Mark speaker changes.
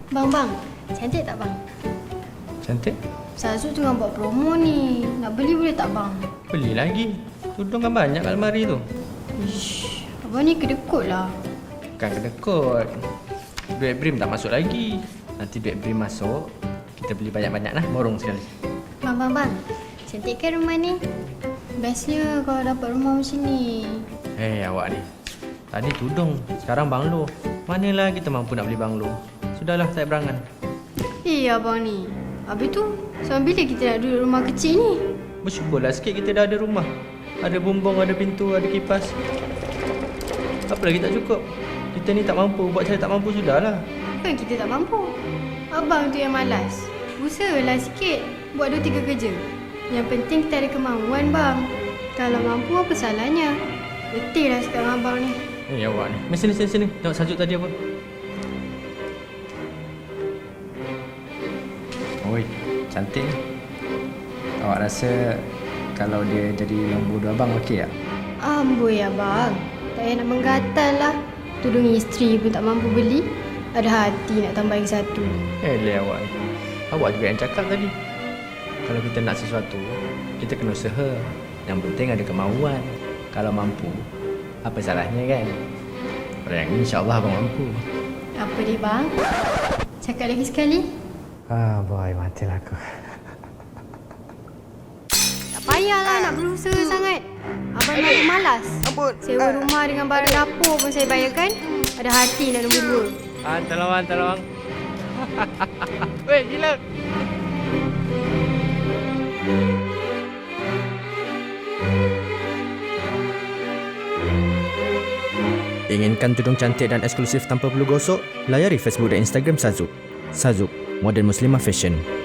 Speaker 1: Bang, cantik tak bang?
Speaker 2: Cantik?
Speaker 1: Sazu tengah buat promo ni. Nak beli boleh tak bang?
Speaker 2: Beli lagi. Tudung kan banyak kat almari tu.
Speaker 1: Ish, abang ni kedekut lah.
Speaker 2: Bukan kedekut. Duit Brim tak masuk lagi. Nanti duit Brim masuk, kita beli banyak-banyak lah. Borong sekali.
Speaker 1: Bang. Cantik kan rumah ni? Bestnya kalau dapat rumah macam ni.
Speaker 2: Awak ni. Tadi tudung, sekarang banglo. Manalah kita mampu nak beli banglo. Sudahlah, saya berangan.
Speaker 1: Abang ni. Habis tu, sampai bila kita nak duduk rumah kecil ni?
Speaker 2: Bersyukurlah sikit kita dah ada rumah. Ada bumbung, ada pintu, ada kipas. Apa lagi tak cukup? Kita ni tak mampu, buat saya tak mampu sudahlah.
Speaker 1: Bukan kita tak mampu. Abang tu yang malas. Usahalah sikit buat 2-3 kerja. Yang penting kita ada kemauan bang. Kalau mampu apa salahnya? Letih lah sekarang abang ni.
Speaker 2: Awak ni. Sini. Tengok sajuk tadi apa?
Speaker 3: Oi, cantik ni. Awak rasa kalau dia jadi nombor 2 abang okey tak?
Speaker 1: Amboi abang. Tak payah nak menggatal lah. Tudung isteri pun tak mampu beli. Ada hati nak tambah lagi satu.
Speaker 2: Awak ni. Awak juga yang cakap tadi. Kalau kita nak sesuatu, kita kena usaha. Yang penting ada kemauan. Kalau mampu, apa salahnya kan? Orang ni insyaAllah abang mampu.
Speaker 1: Apa dia bang? Cakap lagi sekali.
Speaker 3: Boy, matilah aku.
Speaker 1: Tak payahlah nak berusaha sangat. Abang nak malas. Sewa rumah dengan barang dapur pun saya bayarkan. Ada hati nak nombor 2.
Speaker 2: Tolong. Weh, gila.
Speaker 4: Inginkan tudung cantik dan eksklusif tanpa perlu gosok? Layari Facebook dan Instagram Sazuk. Sazuk, Modern Muslimah Fashion.